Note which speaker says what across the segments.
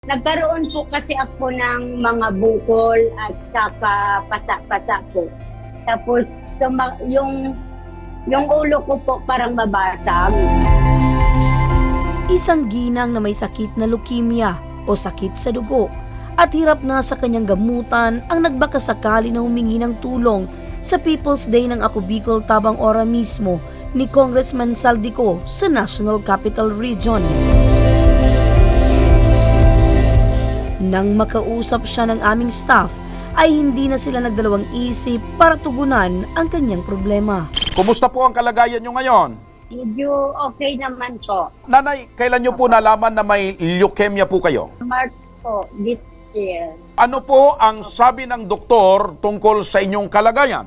Speaker 1: Nagkaroon po kasi ako ng mga bukol at saka pasa-pasa po. Tapos yung ulo ko po parang mabasag.
Speaker 2: Isang ginang na may sakit na leukemia o sakit sa dugo at hirap na sa kanyang gamutan ang nagbakasakali na humingi ng tulong sa People's Day ng Ako Bicol Tabang Ora mismo ni Congressman Saldico sa National Capital Region. Nang makausap siya ng aming staff, ay hindi na sila nagdalawang isip para tugunan ang kanyang problema.
Speaker 3: Kumusta po ang kalagayan nyo ngayon?
Speaker 1: Medyo okay naman po.
Speaker 3: Nanay, kailan nyo po nalaman na may leukemia po kayo?
Speaker 1: March po, this year.
Speaker 3: Ano po ang sabi ng doktor tungkol sa inyong kalagayan?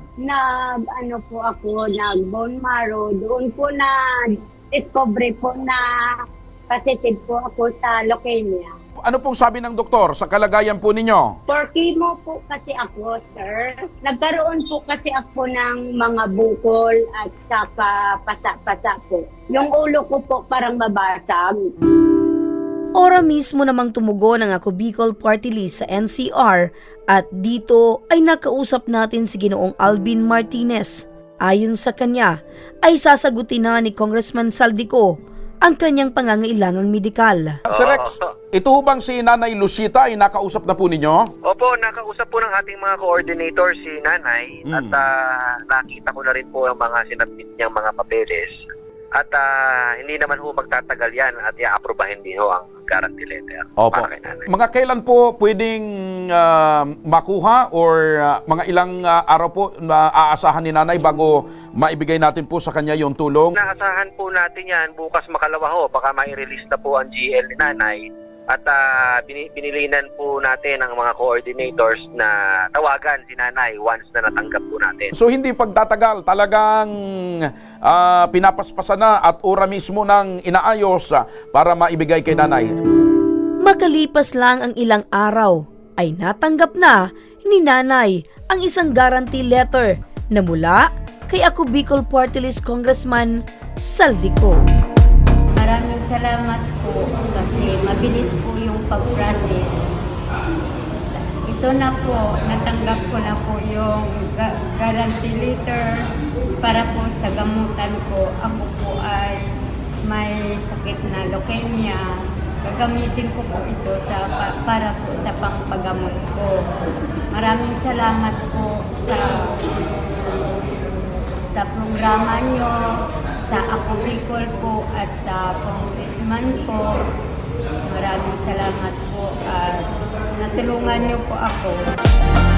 Speaker 1: Nag-bone marrow. Doon po na discovery po na positive po ako sa leukemia.
Speaker 3: Ano pong sabi ng doktor sa kalagayan po ninyo?
Speaker 1: For chemo po kasi ako, sir. Nagkaroon po kasi ako ng mga bukol at saka pasa-pasa po. Yung ulo ko po parang mabasag.
Speaker 2: Ora mismo namang tumugon ang Ako Bicol Party List sa NCR at dito ay nakausap natin si Ginoong Alvin Martinez. Ayon sa kanya ay sasagutin na ni Congressman Saldico ang kanyang pangangailangang medikal.
Speaker 3: Sir Rex, ito ho bang si Nanay Lucita ay nakausap na po ninyo?
Speaker 4: Opo, nakausap po ng ating mga coordinator si Nanay at nakita ko na rin po ang mga sinabit niyang mga papeles. At hindi naman ho magtatagal yan at i-aprobahin din ho ang guarantee letter para kay Nanay.
Speaker 3: Mga kailan po pwedeng makuha or mga ilang araw po aasahan ni Nanay bago maibigay natin po sa kanya yung tulong?
Speaker 4: Naasahan po natin yan bukas makalawa ho. Baka mai-release na po ang GL ni Nanay. At binilinan po natin ang mga coordinators na tawagan si Nanay once na natanggap po natin.
Speaker 3: So hindi pagtatagal, talagang pinapaspasan na at ora mismo ng inaayos para maibigay kay Nanay.
Speaker 2: Makalipas lang ang ilang araw ay natanggap na ni Nanay ang isang guarantee letter na mula kay Ako Bicol Party List Congressman Saldico.
Speaker 1: Maraming salamat po kasi mabilis po yung pag-process. Ito na po, natanggap ko na po yung guarantee letter para po sa gamutan ko. Ako po ay may sakit na leukemia. Gagamitin ko po ito para po sa pangpagamot ko. Maraming salamat po sa programa nyo, sa Ako Bicol po at sa congressman po. Maraming salamat po at natulungan niyo po ako.